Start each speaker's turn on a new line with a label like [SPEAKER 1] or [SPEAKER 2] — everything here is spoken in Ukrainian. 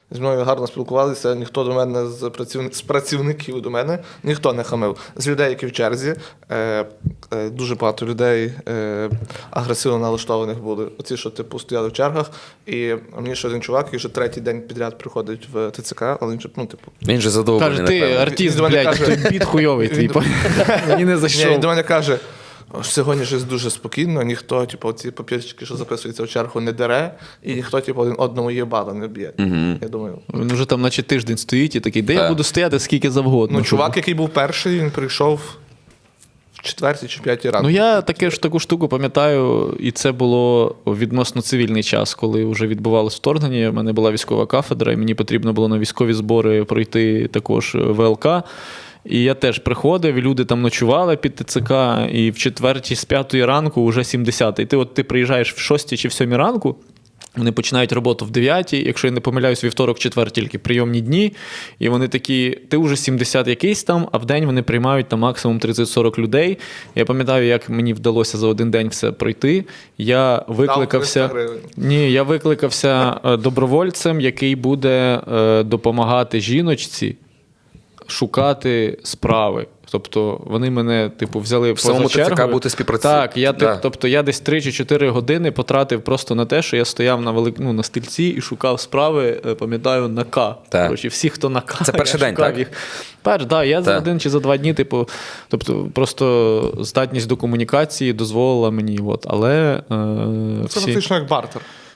[SPEAKER 1] зі мною гарно спілкувалися, ніхто до мене з працівників до мене, ніхто не хамив. З людей, які в черзі, дуже багато людей агресивно налаштованих були. Оці, що типу стояли в чергах, і мені ще один чувак, який вже третій день підряд приходить в ТЦК, але він же, ну, типу...
[SPEAKER 2] Він же задоволений,
[SPEAKER 3] Каже, ти
[SPEAKER 2] напевно.
[SPEAKER 3] артист,
[SPEAKER 1] Він до мене
[SPEAKER 3] блядь,
[SPEAKER 1] каже-
[SPEAKER 3] той біт хуйовий твій. Мені не
[SPEAKER 1] Ні,
[SPEAKER 3] зайшов.
[SPEAKER 1] він до мене каже, сьогодні щось дуже спокійно, ніхто, типу, ці папірчики, що записуються в чергу, не дере, і ніхто, типу, один одному їбало не б'є. Я думаю...
[SPEAKER 3] Він вже там наче тиждень стоїть і такий, де я буду стояти скільки завгодно.
[SPEAKER 1] Ну, чувак, який був перший, він прийшов в 4 чи 5 ранку.
[SPEAKER 3] Ну, я таку штуку пам'ятаю, і це було відносно цивільний час, коли вже відбувалось вторгнення. У мене була військова кафедра, і мені потрібно було на військові збори пройти також ВЛК. І я теж приходив, і люди там ночували під ТЦК, і в 4 з 5 ранку вже 70. І ти приїжджаєш в 6 чи в 7 ранку, вони починають роботу в 9, якщо я не помиляюсь, вівторок, четвер тільки прийомні дні, і вони такі, ти вже 70 якийсь там, а в день вони приймають там максимум 30-40 людей. Я пам'ятаю, як мені вдалося за один день все пройти. Я викликався,
[SPEAKER 1] Дав 300 гривень.
[SPEAKER 3] я викликався добровольцем, який буде допомагати жіночці шукати справи. Тобто вони мене, типу, взяли поза
[SPEAKER 2] самому
[SPEAKER 3] чергою.
[SPEAKER 2] ТЦК бути співпрацівником.
[SPEAKER 3] Так, тобто я десь 3 чи 4 години потратив просто на те, що я стояв на стільці і шукав справи, пам'ятаю, на К.
[SPEAKER 2] Так.
[SPEAKER 3] Коротше, всі, хто на К.
[SPEAKER 2] Це перший
[SPEAKER 3] я
[SPEAKER 2] день,
[SPEAKER 3] шукав
[SPEAKER 2] так?
[SPEAKER 3] їх. Я за 1 чи за 2 дні, типу, тобто просто здатність до комунікації дозволила мені. Але
[SPEAKER 1] Це фактично як бартер.